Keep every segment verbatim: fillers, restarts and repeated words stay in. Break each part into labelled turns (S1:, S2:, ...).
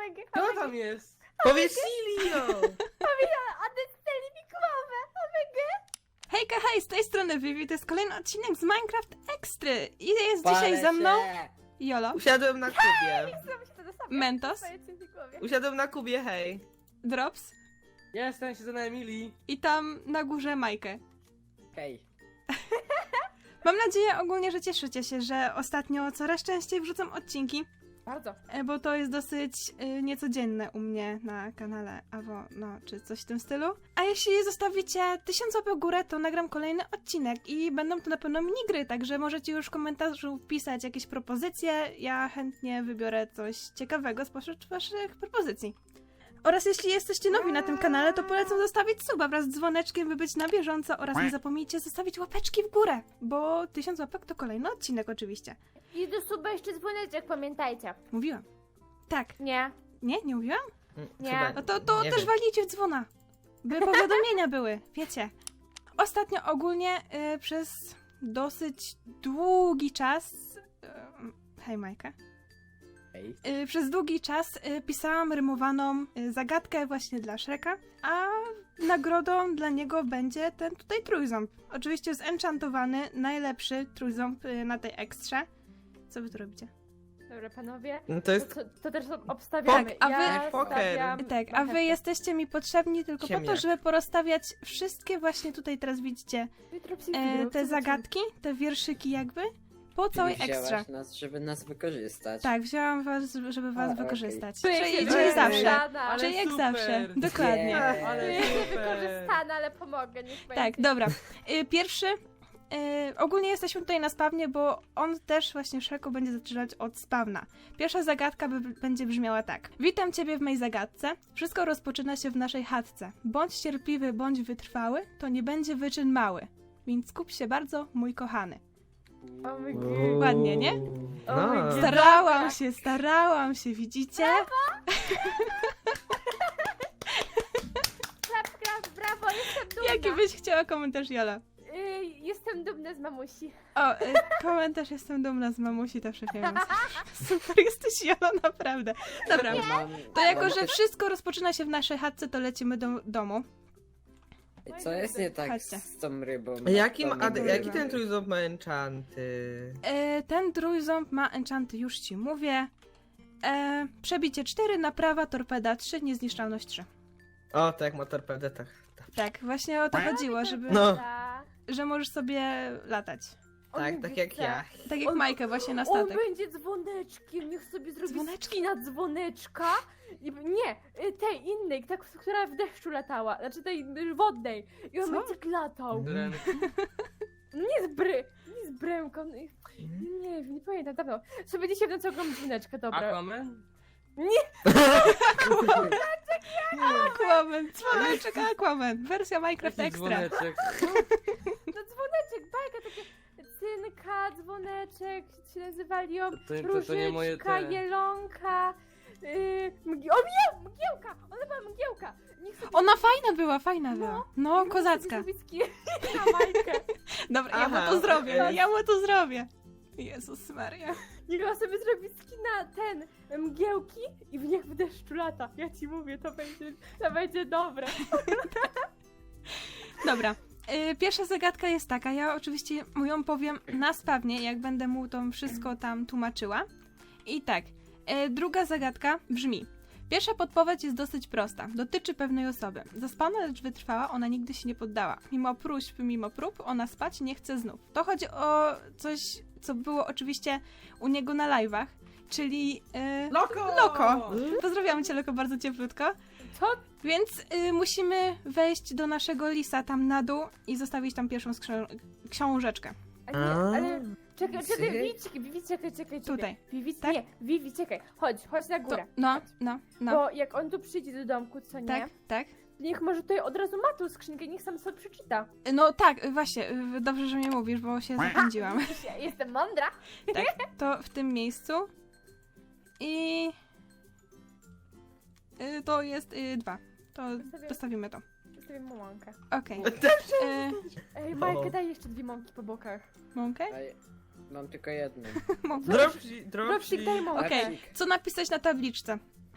S1: omega,
S2: Kto
S1: omega.
S2: tam jest? Powiedz Silio!
S1: Odetnęli mi głowę, omega.
S3: Hejka, hej, z tej strony Vivi, to jest kolejny odcinek z Minecraft Extry. I jest
S4: Palę
S3: dzisiaj ze mną
S4: się.
S3: Jolo,
S2: Usiadłem na kubie.
S1: Zrobię się to do sobie.
S3: Mentos,
S1: Stojący mi w głowie.
S2: Usiadłem na kubie, hej.
S3: Drops
S2: Jestem, siedzę na Emilii.
S3: i tam na górze Majkę.
S4: Hej.
S3: Mam nadzieję ogólnie, że cieszycie się, że ostatnio coraz częściej wrzucam odcinki,
S1: Bardzo.
S3: e, bo to jest dosyć y, niecodzienne u mnie na kanale, albo no, czy coś w tym stylu. A jeśli zostawicie tysiąc łapek w górę, to nagram kolejny odcinek i będą to na pewno minigry, także możecie już w komentarzu wpisać jakieś propozycje, ja chętnie wybiorę coś ciekawego spośród waszych propozycji. Oraz jeśli jesteście nowi na tym kanale, to polecam zostawić suba wraz z dzwoneczkiem, by być na bieżąco oraz nie zapomnijcie zostawić łapeczki w górę, bo tysiąc łapek to kolejny odcinek oczywiście.
S1: I do suba jeszcze dzwoneczek, pamiętajcie.
S3: Mówiłam. Tak.
S1: Nie.
S3: Nie? Nie mówiłam?
S1: Nie.
S2: Chyba-
S3: No to, to
S2: nie
S3: też
S2: wiem.
S3: walnijcie w dzwona, by powiadomienia były, wiecie. Ostatnio ogólnie y, przez dosyć długi czas... Y, hej Majka.
S4: Hej.
S3: Y, przez długi czas y, pisałam rymowaną y, zagadkę właśnie dla Shreka, a nagrodą dla niego będzie ten tutaj trójząb. Oczywiście zenchantowany, najlepszy trójząb y, na tej ekstrze. Co wy tu robicie?
S1: Dobra, panowie.
S2: No to
S1: To,
S2: jest...
S1: to, to też obstawiamy.
S3: Tak, a wy-
S1: Ja
S2: Poker.
S1: stawiam
S3: Tak, a wy
S1: marchewkę.
S3: jesteście mi potrzebni tylko po to,
S2: Ziemniak.
S3: żeby porozstawiać wszystkie właśnie tutaj teraz widzicie
S1: Jutro psy
S3: e,
S1: wybiorą,
S3: te
S1: co
S3: zagadki, te wierszyki jakby, po całej
S4: Czyli
S3: ekstra.
S4: wzięłaś nas, żeby nas wykorzystać.
S3: Tak, wzięłam was, żeby was
S4: A, okej.
S3: wykorzystać.
S1: Czuję
S3: Czyli,
S1: się
S3: czyli
S2: wykorzystana.
S3: zawsze.
S2: Ale
S3: Czyli jak
S2: super.
S3: zawsze. Dokładnie.
S4: Nie.
S2: Ale
S1: Czuję się
S2: super.
S1: wykorzystana, ale pomogę, niech
S3: Tak,
S1: będzie.
S3: dobra. Y, Pierwszy. y, ogólnie jesteśmy tutaj na spawnie, bo on też właśnie Shreku będzie zaczynać od spawna. Pierwsza zagadka by, będzie brzmiała tak. Witam ciebie w mej zagadce. Wszystko rozpoczyna się w naszej chatce. Bądź cierpliwy, bądź wytrwały, to nie będzie wyczyn mały. Więc skup się bardzo, mój kochany.
S1: O my God.
S3: Ładnie, nie?
S1: O mój
S2: No.
S1: Boże.
S3: Starałam się, starałam się, widzicie?
S1: Klapka, brawo, jestem dumna.
S3: Jaki byś chciała komentarz, Jola?
S1: Y, jestem dumna z mamusi.
S3: O, y, komentarz, jestem dumna z mamusi, to przepięknie. Super, jesteś Jola, naprawdę. Dobra,
S4: Mam,
S3: to jako,
S4: mam
S3: że
S4: też-
S3: wszystko rozpoczyna się w naszej chatce, to lecimy do domu.
S4: Co jest nie tak
S3: Chodźcie.
S4: z tą rybą?
S2: A Jakim,
S4: To nie
S2: a,
S4: były
S2: jaki
S4: ryby.
S2: ten trójząb ma enchanty?
S3: E, ten trójząb ma enchanty, już ci mówię. E, przebicie cztery, naprawa, torpeda trzy, niezniszczalność trzy.
S2: O, tak, ma torpedę, tak.
S3: Tak, właśnie o to chodziło, żeby,
S2: No.
S1: Ta.
S3: że możesz sobie latać.
S1: On
S2: Tak,
S1: lubi
S2: tak jak
S1: psa.
S2: ja.
S3: Tak jak
S1: On-
S3: Majkę właśnie na
S1: On
S3: statek.
S1: będzie dzwoneczkiem, niech sobie zrobi
S3: Dzwoneczki?
S1: skina dzwoneczka. I, nie, y, tej innej, ta, która w deszczu latała, znaczy tej y, wodnej. I on
S3: Co?
S1: będzie tak latał.
S2: Dren.
S1: No nie z bry, nie z bremką. no i- Nie wiem, nie pamiętam, dawno. Sobie dzisiaj w nocy oglądam dzwoneczkę, dobra.
S2: Aquaman?
S3: Aquaman, dzwoneczek Aquaman, wersja Minecraft
S2: Jaki
S3: Extra.
S2: dzwoneczek?
S1: No dzwoneczek, bajka, takie cynka, dzwoneczek, się nazywali ją,
S2: To- to- to nie
S1: różyczka,
S2: moje te.
S1: jelonka, yy, mgi- o mgieł, mgiełka, ona była mgiełka. Niech sobie
S3: Ona fajna była, fajna była.
S1: No,
S3: No,
S1: niech
S3: kozacka.
S1: sobie zrobi skin na Majkę.
S3: Dobra, ja mu
S2: Aha,
S3: to zrobię,
S2: okej.
S3: ja mu to zrobię. Jezus Maria.
S1: Niech ona sobie zrobi skina ten, mgiełki i w niech w deszczu lata. Ja ci mówię, to będzie, to będzie dobre.
S3: Dobra. y, Pierwsza zagadka jest taka, ja oczywiście mu ją powiem na spawnie, jak będę mu to wszystko tam tłumaczyła. I tak, y, druga zagadka brzmi. Pierwsza podpowiedź jest dosyć prosta. Dotyczy pewnej osoby. Zaspana, lecz wytrwała, ona nigdy się nie poddała. Mimo próśb, mimo prób, ona spać nie chce znów. To chodzi o coś, co było oczywiście u niego na live'ach, czyli... y,
S2: Loko!
S3: Loko. Pozdrawiamy cię, Loko, bardzo cieplutko.
S1: Co?
S3: Więc y, musimy wejść do naszego lisa tam na dół i zostawić tam pierwszą skrzę- książeczkę.
S1: A nie,
S2: A.
S1: ale czekaj, czekaj,
S4: Psy?
S1: Vivi, czekaj, Vivi, czekaj, czekaj, czekaj.
S3: Tutaj.
S1: Vivi,
S3: Tak?
S1: nie, Vivi, czekaj, chodź, chodź na
S3: To,
S1: górę.
S3: no,
S1: Chodź.
S3: no, no.
S1: Bo jak on tu przyjdzie do domku, co nie?
S3: Tak, tak.
S1: Niech może tutaj od razu ma tą skrzynkę, niech sam sobie przeczyta.
S3: No tak, y, właśnie, y, dobrze, że mnie mówisz, bo się zapędziłam.
S1: Ja jestem mądra.
S3: Tak, to w tym miejscu. I... y, to jest y, dwa. To
S1: Sobie-
S3: postawimy to.
S1: Zostawię mu mąkę.
S3: Okej. Y,
S1: Ej, Majkę, daj jeszcze dwie mąki po bokach.
S3: Mąkę?
S4: Ej, mam tylko jedną.
S3: Mąkę.
S2: Dropsy,
S1: Dropsik, daj
S2: dropsy.
S1: mąkę.
S3: Okej.
S4: Dropsik.
S3: Co napisać na tabliczce?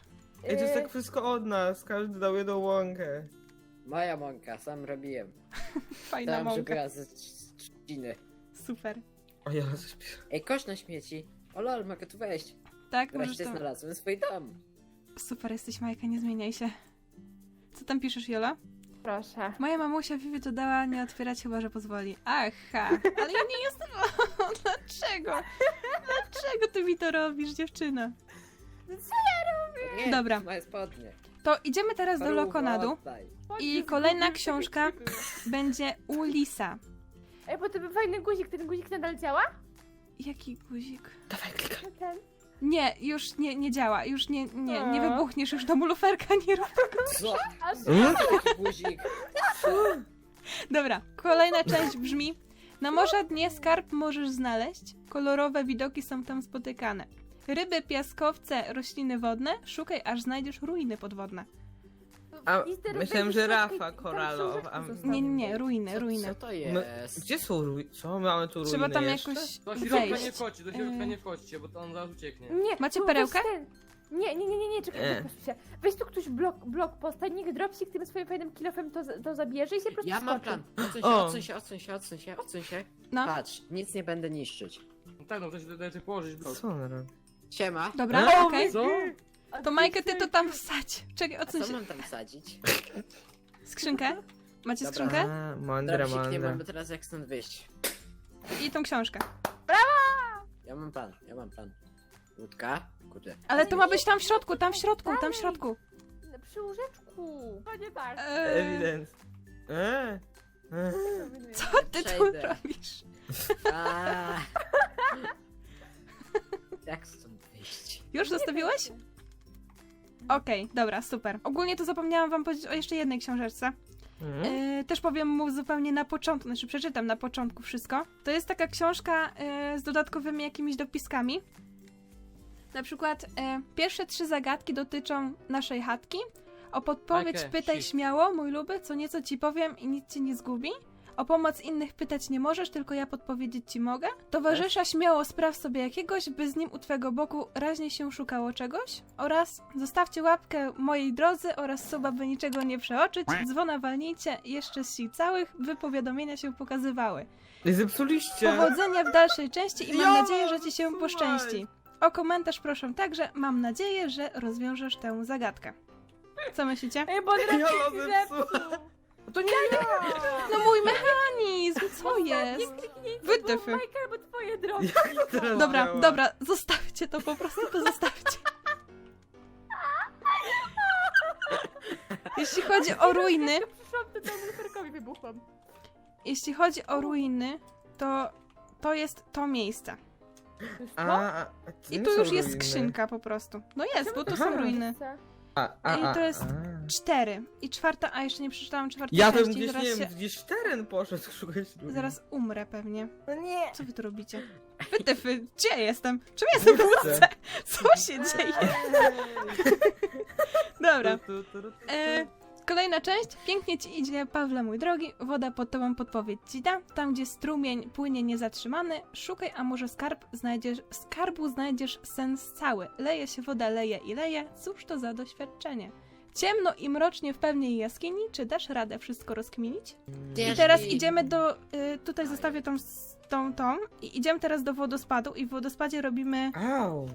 S2: Ej, to jest
S1: Yy,
S2: tak wszystko od nas, każdy dał jedną łąkę.
S4: Moja mąka, sam robiłem.
S3: Fajna
S4: Dałem, żeby
S3: mąka.
S4: była ze trz- trzciny.
S3: Super.
S2: O ja coś piszę.
S4: Ej, kosz na śmieci. O lol, mogę tu wejść.
S3: Tak, możesz
S4: Wreszcie
S3: tam...
S4: znalazłem swój dom.
S3: Super jesteś, Majka, nie zmieniaj się. Co tam piszesz, Jola?
S1: Proszę.
S3: Moja mamusia Vivi to dała nie otwierać, chyba że pozwoli. Aha, ale ja nie jestem... O, dlaczego? Dlaczego ty mi to robisz, dziewczyna?
S4: Nie,
S3: Dobra.
S4: Moje spodnie.
S3: To idziemy teraz do
S4: Paruwo,
S3: Lokonadu.
S4: oddaj.
S3: I kolejna książka będzie u Lisa.
S1: Ej, bo to był fajny guzik, ten guzik nadal działa?
S3: Jaki guzik?
S2: Dawaj, klikaj.
S1: No ten.
S3: Nie, już nie, nie działa, już nie, nie, nie
S1: O.
S3: wybuchniesz już do luferka, nie rób.
S4: Co?
S1: Aż
S4: Taki guzik.
S3: Dobra, kolejna część brzmi: na morza dnie skarb możesz znaleźć, kolorowe widoki są tam spotykane. Ryby, piaskowce, rośliny wodne, szukaj aż znajdziesz ruiny podwodne.
S2: A
S1: I teraz
S2: myślałem,
S1: będzie
S2: że
S1: środki
S2: rafa
S1: i tam
S2: koralowa.
S1: książeczki
S2: A
S1: zostaną.
S3: Nie, nie, nie, ruiny,
S4: Co,
S3: ruiny.
S4: co to
S2: My,
S4: jest?
S2: gdzie są ruiny? Co? Mamy tu ruiny
S3: Trzeba tam
S2: jeszcze?
S3: jakoś
S5: Do środka nie
S3: wejść.
S5: wchodźcie, do środka
S3: Yy.
S5: nie wchodźcie, bo to on zaraz ucieknie.
S1: Nie,
S3: Macie
S1: tu
S3: perełkę?
S1: weź ten. Nie, nie, nie, nie, nie, czekaj,
S2: Nie.
S1: nie. się. Weź tu ktoś blok, blok postań, niech dropsik tym swoim fajnym kilofem to, z- to zabierze i się po prostu
S4: Ja mam
S1: skoczy.
S4: plan. Odsuń się,
S2: O.
S4: odsuń się, odsuń się, odsuń się, odsuń się.
S3: No,
S4: Patrz, nic nie będę niszczyć.
S5: No tak, no to się tutaj położyć blok.
S2: Co on robi?
S4: Siema.
S3: dobra,
S2: E?
S3: okej.
S5: Co?
S1: A
S3: To Majkę, ty to tam wsadź. Czekaj,
S4: A
S3: odsuń
S4: co
S3: się.
S4: mam tam wsadzić?
S3: Skrzynkę? Macie
S4: Dobra.
S3: skrzynkę?
S2: A, mądre,
S4: Dropsik, nie
S2: mądre.
S4: mamy teraz jak stąd wyjść.
S3: I tą książkę.
S4: Ja mam plan, ja mam plan. Łódka? Kurde.
S3: Ale to ma być tam w środku, tam w środku, tam w środku.
S1: Przy łóżeczku. No nie tak.
S3: Eee,
S2: Ewident. E? E?
S3: co ty tu
S4: Przejdę.
S3: robisz?
S4: A. Jak stąd wyjść?
S3: Już zostawiłeś? Okej, dobra, super. Ogólnie to zapomniałam wam powiedzieć o jeszcze jednej książeczce.
S2: Mhm.
S3: Yy, też powiem mu zupełnie na początku, znaczy przeczytam na początku wszystko. To jest taka książka yy, z dodatkowymi jakimiś dopiskami. Na przykład yy, pierwsze trzy zagadki dotyczą naszej chatki. O podpowiedź
S5: Majkę,
S3: pytaj
S5: shift.
S3: śmiało, mój luby, co nieco ci powiem i nic cię nie zgubi. O pomoc innych pytać nie możesz, tylko ja podpowiedzieć ci mogę. Towarzysza śmiało spraw sobie jakiegoś, by z nim u twego boku raźnie się szukało czegoś. Oraz zostawcie łapkę mojej drodzy oraz suba, by niczego nie przeoczyć. Dzwona walnijcie, jeszcze z sił całych, by powiadomienia się pokazywały.
S2: I zepsuliście.
S3: Powodzenia w dalszej części i mam
S2: Ja,
S3: nadzieję, że ci się
S2: słuchaj.
S3: poszczęści. O komentarz proszę także, mam nadzieję, że rozwiążesz tę zagadkę. Co myślicie?
S1: Ej, bo on
S2: Ja
S1: raczej
S2: mam
S1: zepsuł.
S2: To nie ja!
S3: No mój mechanizm, co
S1: Nie
S3: jest?
S1: kliknijcie,
S3: Wytyfy.
S1: bo Majka albo twoje drogi.
S2: Jak teraz
S3: Dobra,
S2: działa?
S3: dobra, zostawcie to, po prostu to zostawcie. Jeśli chodzi o ruiny,
S1: Jak przyszłam, to temu luferkowi wybuchłam.
S3: jeśli chodzi o ruiny, to to jest to miejsce.
S1: To jest
S2: A,
S1: to?
S2: a, a to
S3: I
S2: nie
S3: tu
S2: są
S3: już jest
S2: ruiny.
S3: skrzynka po prostu. No jest, bo to
S2: Aha.
S3: są ruiny.
S2: A, a,
S3: I
S2: a,
S3: to jest
S2: a.
S3: Cztery. I czwarta, a jeszcze nie przeczytałam czwartej
S2: Ja tam
S3: części.
S2: gdzieś,
S3: Zaraz,
S2: nie
S3: się,
S2: wiem, gdzieś w teren poszedł szukać ruin.
S3: zaraz umrę pewnie.
S1: No nie.
S3: Co wy tu robicie? Wytyfy, gdzie jestem? Czym jestem w łódce? Co się dzieje? Dobra.
S2: Tu, tu, tu, tu, tu.
S3: E, kolejna część. Pięknie ci idzie, Pawle mój drogi. Woda pod tobą podpowiedź ci da. Tam, gdzie strumień płynie niezatrzymany, szukaj, a może skarb znajdziesz, skarbu znajdziesz sens cały. Leje się woda, leje i leje. Cóż to za doświadczenie? Ciemno i mrocznie w pewnej jaskini. Czy dasz radę wszystko rozkminić? I teraz idziemy do... Y, tutaj zostawię tą, s- tą, tą. I idziemy teraz do wodospadu. I w wodospadzie robimy...
S2: Au.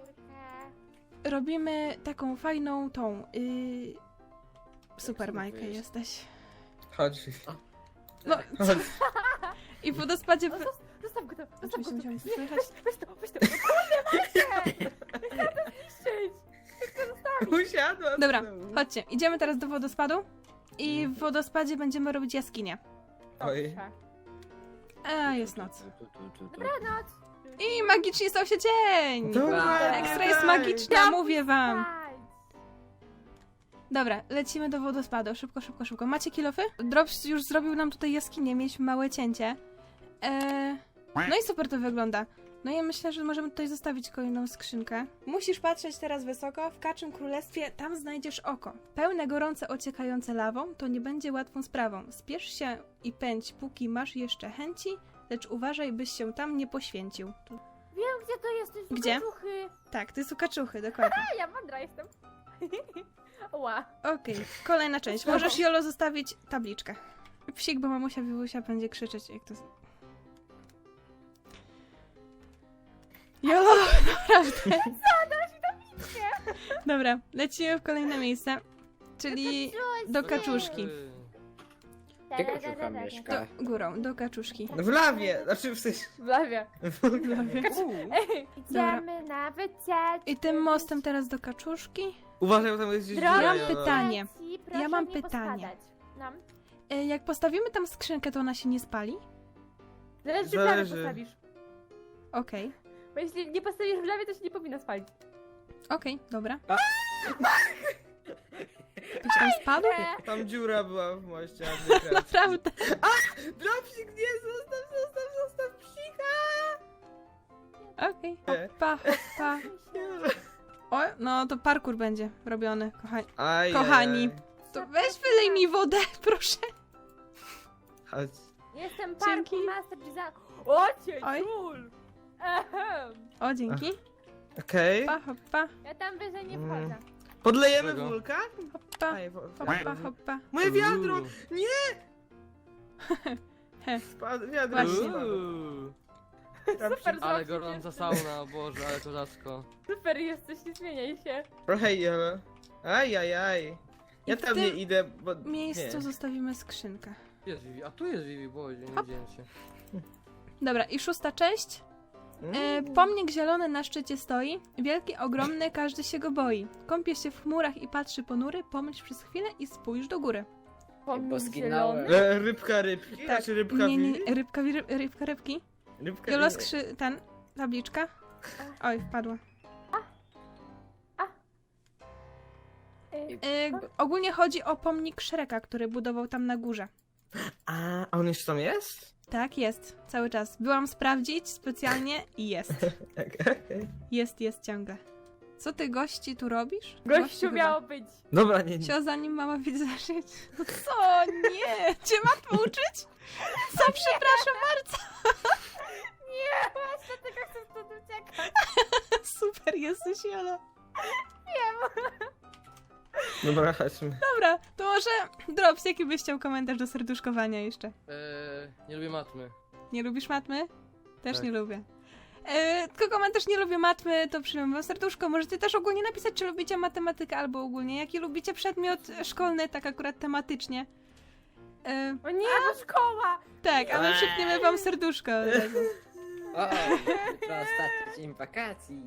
S3: Robimy taką fajną tą... Y, super,
S4: tu
S3: Majka,
S4: wyjść?
S3: jesteś.
S2: Chodź.
S3: No,
S2: Chodź.
S3: i w wodospadzie...
S1: O, zos- Zostaw go tam, zostaw go
S3: Oczywiście
S1: tam.
S3: musiałam
S1: Nie,
S3: słychać.
S1: weź to, weź to. No kurde, Majkę! Chcę to zniszczyć. Chcę to zostawić.
S2: Usiadła.
S3: Dobra,
S2: znowu.
S3: chodźcie. Idziemy teraz do wodospadu. I w wodospadzie będziemy robić jaskinię.
S2: Oj.
S1: Dobrze.
S3: A, jest noc.
S4: Tu, tu, tu, tu.
S1: Dobranoc.
S3: I magicznie stał się dzień!
S2: Dobra,
S3: Ekstra jest
S2: daj.
S3: magiczna, mówię wam.
S1: Daj.
S3: Dobra, lecimy do wodospadu. Szybko, szybko, szybko. Macie kilofy? Drops już zrobił nam tutaj jaskinię, mieliśmy małe cięcie. Eee, no i super to wygląda. No i myślę, że możemy tutaj zostawić kolejną skrzynkę. Musisz patrzeć teraz wysoko, w Kaczym Królestwie, tam znajdziesz oko. Pełne gorące, ociekające lawą, to nie będzie łatwą sprawą. Spiesz się i pędź, póki masz jeszcze chęci, lecz uważaj, byś się tam nie poświęcił. Tu.
S1: Wiem, gdzie to jest, to jest u
S3: Gdzie?
S1: kaczuchy.
S3: Tak, to jest u Kaczuchy, dokładnie.
S1: A, ja mądra jestem. Ała.
S3: Okej, kolejna część. Możesz, Jolo, zostawić tabliczkę. Psik, bo mamusia Wiwusia będzie krzyczeć, jak to... Jolo, naprawdę. Dobra, lecimy w kolejne miejsce, czyli do kaczuszki.
S5: Eee,
S4: Gdzie kaczucha mieszka?
S3: Do, górą, do kaczuszki.
S2: W lawie, znaczy w sensie...
S1: W lawie. Ej,
S3: Dobra.
S1: idziemy na wycieczkę.
S3: I tym mostem teraz do kaczuszki.
S2: Uważaj, bo tam jest gdzieś
S1: Drogi
S2: dziura,
S3: Mam
S2: Jola.
S3: pytanie.
S1: dzieci, proszę
S3: Ja mam
S1: nie
S3: pytanie.
S1: pospadać. No.
S3: E, Jak postawimy tam skrzynkę, to ona się nie spali?
S1: Zależy, czy w lawie
S2: Zależy.
S1: postawisz.
S3: Okej,
S1: Bo jeśli nie postawisz w lawie, to się nie powinno spalić.
S3: okej, dobra.
S4: A.
S3: Ktoś tam spadł?
S1: E,
S2: Tam dziura była w moście. a nie kreacji.
S3: Naprawdę.
S2: Dropsik, nie, zostaw, zostaw, zostaw psika!
S3: Okej, hoppa, hoppa. O, no to parkour będzie robiony, kochani.
S2: Aj,
S3: Kochani.
S2: aj,
S3: To weź wylej mi wodę, proszę.
S2: aj. Chodź.
S1: Jestem
S3: Dzięki.
S1: parkour master design. O cię,
S3: Oj.
S1: ciul! Ehem.
S3: O, dzięki.
S2: Okej.
S3: Hoppa, hoppa,
S1: Ja tam wyżej nie
S2: Mm.
S1: wchodzę.
S2: Podlejemy
S5: Czego?
S2: wulkan?
S3: hoppa,
S2: Aj, wo-
S3: hoppa,
S2: wiadro.
S3: hoppa.
S2: Moje wiadro!
S5: uuu.
S3: He.
S2: Spadł, wiadro
S3: Właśnie.
S2: spadło.
S5: Uuu.
S1: Super,
S5: Ale
S1: zobaczcie,
S5: gorąca sauna, o Boże, ale kozacko.
S1: Super jesteś, nie zmieniaj się.
S2: Trochę jelo. Aj, aj, aj. Ja
S3: I w
S2: tam
S3: tym
S2: nie idę, bo...
S3: W miejscu
S2: nie.
S3: zostawimy skrzynkę.
S5: Jest Vivi, a tu jest Vivi, Boże, nie
S3: Hop.
S5: widziałem się.
S3: Dobra, i szósta część. E,
S2: Mm.
S3: pomnik zielony na szczycie stoi, wielki, ogromny, każdy się go boi. Kąpie się w chmurach i patrzy ponury, pomyśl przez chwilę i spójrz do góry.
S1: Pomnik
S4: zginąłem.
S1: zielony.
S2: E, Rybka rybki?
S3: Tak.
S2: Znaczy rybka
S3: Nie, nie,
S2: Vivi?
S3: rybka, wi- rybka, rybki.
S2: Rybka
S3: Jolo
S2: Vivi.
S3: skrzy... ten, tabliczka. Oj, wpadła.
S1: Ej,
S3: E, ogólnie chodzi o pomnik Shreka, który budował tam na górze.
S2: A, a on jeszcze tam jest?
S3: Tak, jest. Cały czas. Byłam sprawdzić specjalnie i jest.
S2: Okej.
S3: Jest, jest ciągle. Co ty, gości, tu robisz?
S1: Gościu
S3: chyba.
S1: miało być.
S2: Dobra, nie, nie.
S3: Sio, zanim mama widzi zacząć. No co? Nie! Cię matmy uczyć? Co? Przepraszam bardzo.
S1: Nie, właśnie tylko chcę stąd uciekać.
S3: Super jesteś, Jola.
S2: Dobra, chodźmy.
S3: Dobra, to może Drops, jaki byś chciał komentarz do serduszkowania jeszcze?
S5: Eee, nie lubię matmy.
S3: Nie lubisz matmy? Też
S5: Tak.
S3: nie lubię. E, tylko komentarz nie lubię matmy, to przyjmę wam serduszko. Możecie też ogólnie napisać, czy lubicie matematykę, albo ogólnie jaki lubicie przedmiot szkolny, tak akurat tematycznie. E,
S1: O nie, bo szkoła.
S3: tak, a my przypniemy wam serduszko od razu.
S4: O, jutro ostatni dzień wakacji.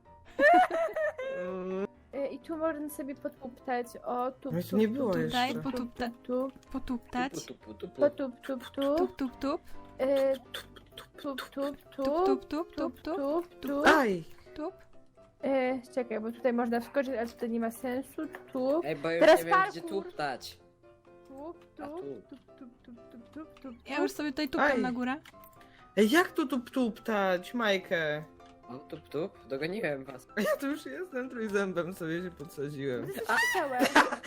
S1: E, I tu można sobie potuptać. O, tup,
S2: No to
S1: tup,
S2: nie było
S1: tup,
S3: Tutaj
S2: jeszcze.
S3: potupta,
S1: tup,
S3: potuptać.
S4: Tupu, tupu, tupu.
S1: tup, tup, tup, tup,
S3: Tup, tup, tup.
S1: E, tup, tup, tup,
S3: Tup, tup, tup, tup, tup.
S1: tup, tup.
S2: Aj!
S3: Tup.
S1: E, czekaj, bo tutaj można wskoczyć, ale tutaj nie ma sensu. Tup,
S4: Ej, bo już
S1: Teraz
S4: nie wiem gdzie
S1: parkour.
S4: tuptać.
S1: tup,
S4: A
S1: tup,
S4: tu.
S1: tup, tup, tup, tup, tup, tup,
S3: Ja już sobie tutaj tupam
S2: Aj.
S3: na górę.
S2: Ej, jak tu tup tuptać, Majkę?
S4: O, tup, tup, dogoniłem was.
S2: A ja tu już jestem, trójzębem sobie się podsadziłem.
S1: Chciałem.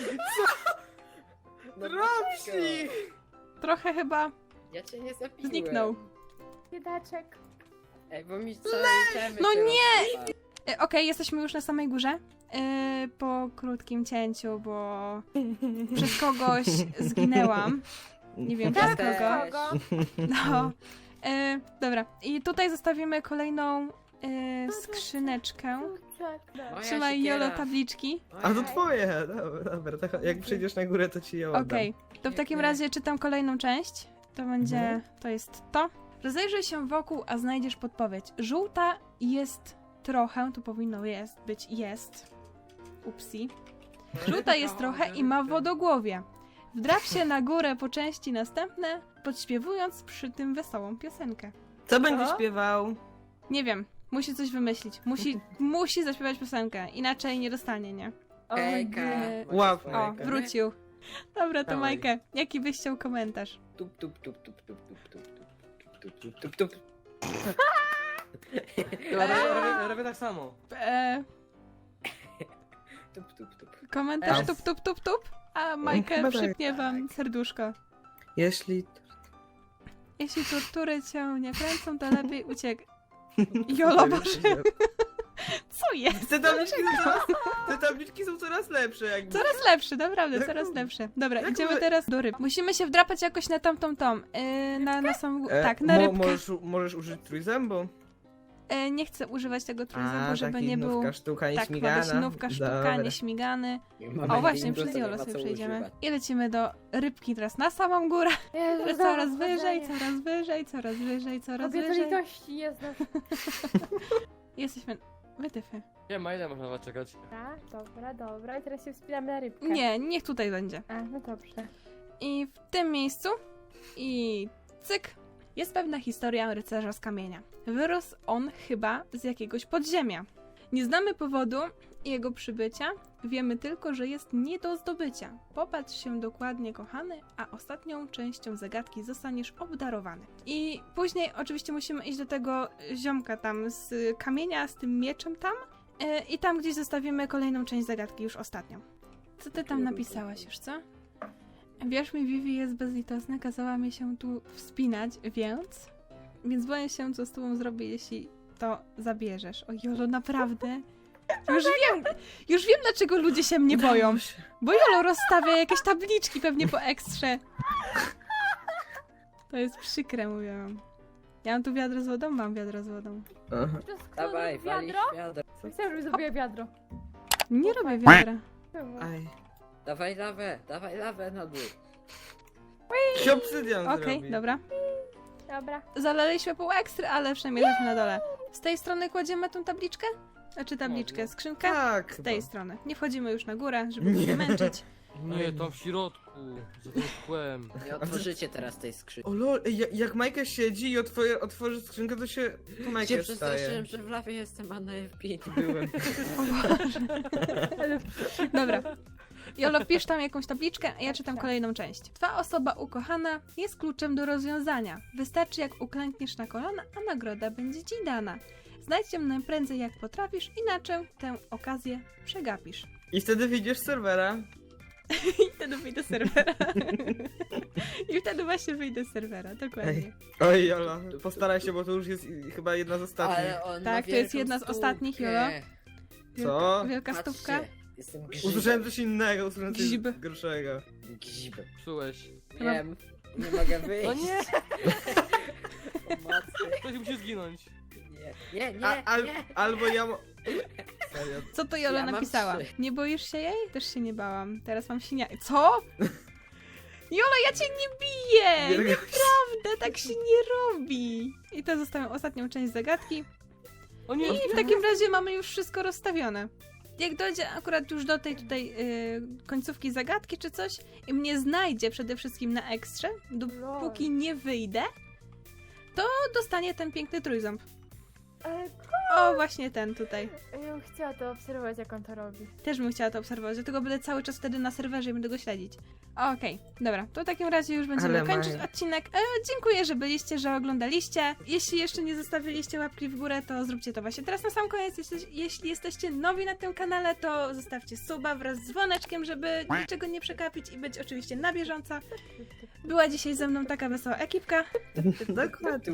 S4: No
S2: Dropsik!
S3: Trochę chyba.
S4: Ja cię nie zabiłem.
S3: Zniknął.
S1: Biedaczek.
S4: Ej, bo mi całe itemy
S3: No
S4: się
S3: nie!
S4: rozsypały.
S3: E, Okej, jesteśmy już na samej górze. E, po krótkim cięciu, bo przez kogoś zginęłam. Nie wiem przez
S4: Też.
S3: kogo.
S1: Kogo?
S3: No. E, dobra, i tutaj zostawimy kolejną e, skrzyneczkę.
S4: Moja
S3: Trzymaj,
S4: siekiera.
S3: Jolo, tabliczki.
S2: A to twoje! Dobra, dobra, to jak przyjdziesz na górę, to ci je oddam.
S3: Okej, to w takim
S4: Nie.
S3: razie czytam kolejną część. To będzie,
S2: Mhm.
S3: to jest to. Rozejrzyj się wokół, a znajdziesz podpowiedź. Żółta jest trochę, tu powinno jest być jest. Upsi. Żółta jest trochę i ma wodogłowie. Wdrap się na górę po części następne, podśpiewując przy tym wesołą piosenkę.
S2: Co będzie
S1: Co?
S2: śpiewał?
S3: Nie wiem, musi coś wymyślić. Musi, musi zaśpiewać piosenkę, inaczej nie dostanie, nie?
S4: Hejka.
S3: nie.
S4: Macie
S2: Łap.
S4: swojego,
S3: O,
S4: nie?
S3: wrócił. Dobra, to
S2: Dawaj.
S3: Majkę, jaki byś chciał komentarz?
S4: Tup, tup, tup, tup, tup, tup, tup, tup, tup, tup, tup, tup.
S5: Ja robię, robię, robię tak samo.
S3: Eee,
S4: Tup, tup, tup.
S3: komentarz
S2: Es.
S3: tup, tup, tup, tup, a Majkę
S2: Chyba tak.
S3: przypnie wam serduszko.
S2: Jeśli...
S3: Jeśli tortury cię nie kręcą, to lepiej uciek. Jolo, Boże, Co jest?
S2: Te tabliczki są coraz, te tabliczki są coraz lepsze jakby.
S3: Coraz lepsze, naprawdę,
S2: Jak
S3: coraz
S2: to-
S3: lepsze. Dobra,
S2: jak
S3: idziemy
S2: my-
S3: teraz do ryb. Musimy się wdrapać jakoś na tamtą tą, yy, na, na samą,
S2: E,
S3: tak, na
S2: mo-
S3: rybkę.
S2: Możesz, u- możesz użyć trójzębu?
S3: E, nie chcę używać tego trójzębu, żeby
S2: taki
S3: nie był...
S2: nówka, sztuka,
S3: Tak, ma
S2: nieśmigana.
S3: być nówka, sztuka,
S2: Dobra.
S3: nieśmigany.
S4: Mamy
S3: O, właśnie,
S4: bingo,
S3: przez
S4: to nie
S3: Jolo
S4: ma
S3: sobie
S4: co
S3: przejdziemy.
S4: używać.
S3: I lecimy do rybki teraz na samą górę.
S1: Jezu,
S3: Że
S1: znowu
S3: coraz wyżej,
S1: wchodzenie.
S3: coraz wyżej, coraz wyżej, coraz
S1: Kobieta
S3: wyżej.
S1: litości jest nasz.
S3: Jesteśmy... Wytyfy.
S5: Nie ma, ile można na was czekać?
S1: Dobra, dobra, dobra. I teraz się wspinamy na rybkę.
S3: Nie, niech tutaj będzie.
S1: A, no dobrze.
S3: I w tym miejscu i cyk jest pewna historia rycerza z kamienia. Wyrósł on chyba z jakiegoś podziemia. Nie znamy powodu jego przybycia, wiemy tylko, że jest nie do zdobycia. Popatrz się dokładnie, kochany, a ostatnią częścią zagadki zostaniesz obdarowany. I później oczywiście musimy iść do tego ziomka tam z kamienia, z tym mieczem tam yy, i tam gdzieś zostawimy kolejną część zagadki, już ostatnią. Co ty tam napisałaś już, co? Wierz mi, Vivi jest bezlitosna, kazała mi się tu wspinać, więc... Więc boję się, co z tobą zrobię, jeśli to zabierzesz. O Jolo, naprawdę? Już wiem, już wiem, dlaczego ludzie się mnie boją.
S2: Udało się.
S3: Bo Jolo rozstawia jakieś tabliczki pewnie po ekstrze. To jest przykre, mówię wam. Ja mam tu wiadro z wodą? Mam wiadro z wodą.
S2: Aha.
S1: To jest kto
S4: Dawaj,
S1: robi
S4: walisz
S1: wiadro?
S4: wiadro.
S1: Chcę, żeby zrobiła wiadro.
S3: Nie robię wiadra.
S1: Czemu?
S2: Aj.
S4: Dawaj lawę, dawaj lawę na dół.
S2: Się obsydian
S3: Okej,
S2: zrobi.
S3: dobra.
S1: Dobra.
S3: Zalaliśmy pół ekstry, ale przynajmniej jesteśmy na dole. Z tej strony kładziemy tą tabliczkę? Znaczy tabliczkę,
S5: Można.
S3: skrzynkę?
S2: Tak.
S3: Z tej
S2: chyba.
S3: strony. Nie wchodzimy już na górę, żeby nie
S2: Nie.
S3: męczyć.
S5: Nie, tam w środku, za tym kłem.
S4: Nie otworzycie teraz tej skrzynki.
S2: O lol, ej, jak, jak Majka siedzi i otworzy, otworzy skrzynkę, to się... To
S4: Cię
S2: Majka staje.
S4: przestraszyłem, że w lawie jestem, a na F pięć byłem.
S1: Ale
S3: Dobra. Jolo, pisz tam jakąś tabliczkę, a ja czytam kolejną część. Twa osoba ukochana jest kluczem do rozwiązania. Wystarczy, jak uklękniesz na kolana, a nagroda będzie ci dana. Znajdź ją najprędzej jak potrafisz, inaczej tę okazję przegapisz.
S2: I wtedy wyjdziesz z serwera.
S3: I wtedy wyjdę z serwera. I wtedy właśnie wyjdę z serwera, dokładnie.
S2: Ej. Oj, Jola, postaraj się, bo to już jest i- chyba jedna z ostatnich.
S4: Ale on
S3: Tak,
S4: ma
S3: to jest
S4: wielką
S3: jedna z ostatnich,
S4: stówkę.
S3: Jolo.
S2: Co?
S3: Wielka
S4: Patrzcie,
S3: stówka.
S4: Jestem grzybem.
S2: Usłyszałem coś innego, usłyszałem coś
S3: Gzib.
S2: gorszego.
S4: Grzibem.
S5: Psułeś.
S4: Wiem, nie mogę wyjść.
S5: No nie!
S4: Pomocy.
S5: Ktoś musi zginąć.
S4: Nie, nie, nie,
S2: A, al,
S4: nie.
S2: albo ja... mo- Serio.
S3: Co to Jola
S4: Ja mam
S3: napisała?
S4: trzy.
S3: Nie boisz się jej? Też się nie bałam. Teraz mam sinia... Co? Jola, ja cię nie biję!
S2: Wielka-
S3: Nieprawda, tak się nie robi! I to zostawiam ostatnią część zagadki.
S5: O nie!
S3: I w takim razie mamy już wszystko rozstawione. Jak dojdzie akurat już do tej tutaj yy, końcówki zagadki czy coś i mnie znajdzie przede wszystkim na ekstrze, dopóki nie wyjdę, to dostanie ten piękny trójząb.
S1: Ale
S3: O, właśnie ten tutaj.
S1: ja bym chciała to obserwować, jak on to robi.
S3: Też bym chciała to obserwować, dlatego będę cały czas wtedy na serwerze i będę go śledzić. Okej, dobra, to w takim razie już będziemy
S2: Ale
S3: kończyć
S2: Maja.
S3: odcinek. E, dziękuję, że byliście, że oglądaliście. Jeśli jeszcze nie zostawiliście łapki w górę, to zróbcie to właśnie teraz na sam koniec. Jeśli, jeśli jesteście nowi na tym kanale, to zostawcie suba wraz z dzwoneczkiem, żeby niczego nie przekapić i być oczywiście na bieżąco. Była dzisiaj ze mną taka wesoła ekipka.
S2: Dokładnie.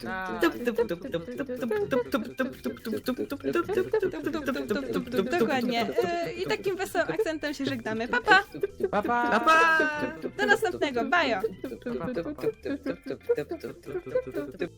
S3: Dokładnie. E, I takim wesołym akcentem się żegnamy. Pa, pa!
S5: Pa, pa!
S2: Pa, pa!
S3: Do następnego. Bajo!
S5: Pa, pa.